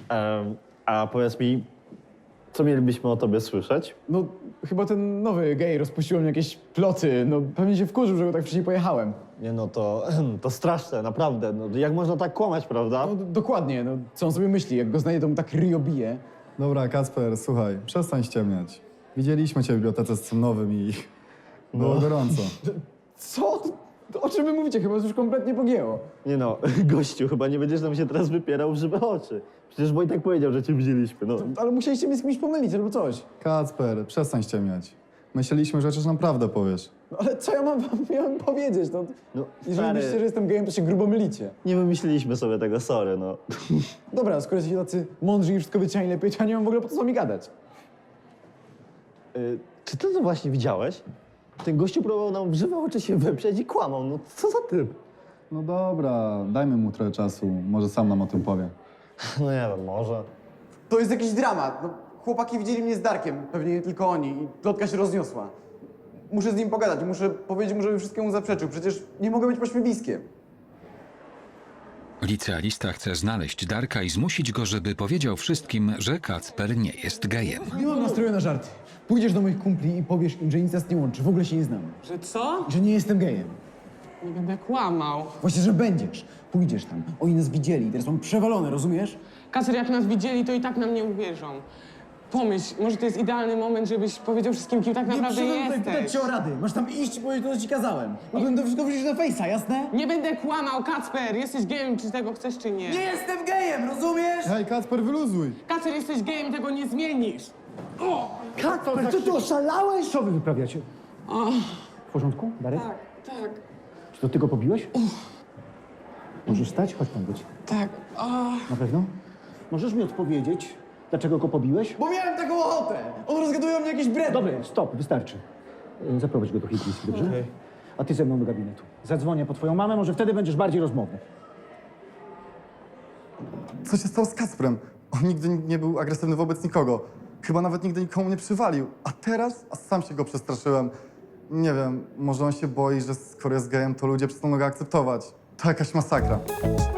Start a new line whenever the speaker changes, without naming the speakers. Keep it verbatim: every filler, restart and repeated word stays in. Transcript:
Em, a powiedz mi, co mielibyśmy o tobie słyszeć?
No, chyba ten nowy gej rozpuścił mi jakieś ploty. No, pewnie się wkurzył, że go tak wcześniej pojechałem.
Nie no, to, to straszne, naprawdę. No, jak można tak kłamać, prawda?
No, d- dokładnie, no, co on sobie myśli? Jak go znajdzie, to mu tak ryjo bije.
Dobra, Kacper, słuchaj, przestań ściemniać. Widzieliśmy cię w bibliotece z Cymnowym i było
No.
gorąco.
Co? To o czym wy mówicie? Chyba już kompletnie pogięło.
Nie no, gościu, chyba nie będziesz nam się teraz wypierał w żywe oczy. Przecież Wojtek powiedział, że cię widzieliśmy, no.
Ale musieliście mnie z kimś pomylić albo coś.
Kacper, przestań ściemniać. Myśleliśmy, że chociaż naprawdę powiesz.
No, ale co ja mam wam miałem powiedzieć? No,
No,
jeżeli
stary,
myślicie, że jestem gejem, to się grubo mylicie.
nie wymyśliliśmy sobie tego, sorry, no.
Dobra, skoro jesteście tacy mądrzy i wszystko wiecie lepiej, to ja nie mam w ogóle po co z wami gadać.
Y, czy ty to właśnie widziałeś? Ten gościu próbował nam w żywe oczy się wyprzeć i kłamał, no co za typ?
No dobra, dajmy mu trochę czasu, może sam nam o tym powie.
No nie wiem, może.
To jest jakiś dramat. No, chłopaki widzieli mnie z Darkiem, pewnie nie tylko oni, i plotka się rozniosła. Muszę z nim pogadać, muszę powiedzieć mu, żeby wszystkiemu zaprzeczył. Przecież nie mogę być pośmiewiskiem.
Licealista chce znaleźć Darka i zmusić go, żeby powiedział wszystkim, że Kacper nie jest gejem.
Nie mam nastroju na żarty. Pójdziesz do moich kumpli i powiesz im, że nic nas nie łączy, w ogóle się nie znamy.
Że co?
Że nie jestem gejem.
Nie będę kłamał.
Właśnie, że będziesz. Pójdziesz tam. Oni nas widzieli, teraz mam przewalone, rozumiesz?
Kacer, jak nas widzieli, to i tak nam nie uwierzą. Pomyśl, może to jest idealny moment, żebyś powiedział wszystkim, kim tak naprawdę jesteś.
cię o rady. Masz tam iść i powiedzieć to, co ci kazałem. Mogłem to wszystko wrzucić na fejsa, jasne?
Nie będę kłamał, Kacper! Jesteś gejem, czy tego chcesz, czy nie.
Nie jestem gejem, rozumiesz?
Hej, Kacper, wyluzuj!
Kacer, jesteś gejem, tego nie zmienisz!
Kacper, co ty oszalałeś? Co wy wyprawiacie? W porządku, Darek?
Tak, tak,
Czy to ty go pobiłeś? Możesz stać? Chodź pan być.
tak. O.
Na pewno? Możesz mi odpowiedzieć, dlaczego go pobiłeś?
Bo miałem taką ochotę. On rozgaduje o mnie jakieś bredy.
Dobry, stop, wystarczy. Y, Zaprowadź go do higienisty, dobrze? A ty ze mną do gabinetu. Zadzwonię po twoją mamę, może wtedy będziesz bardziej rozmowny.
Co się stało z Kacprem? On nigdy nie był agresywny wobec nikogo. Chyba nawet nigdy nikomu nie przywalił. A teraz? A sam się go przestraszyłem. Nie wiem, może on się boi, że skoro jest gejem, to ludzie przestaną go akceptować. To jakaś masakra.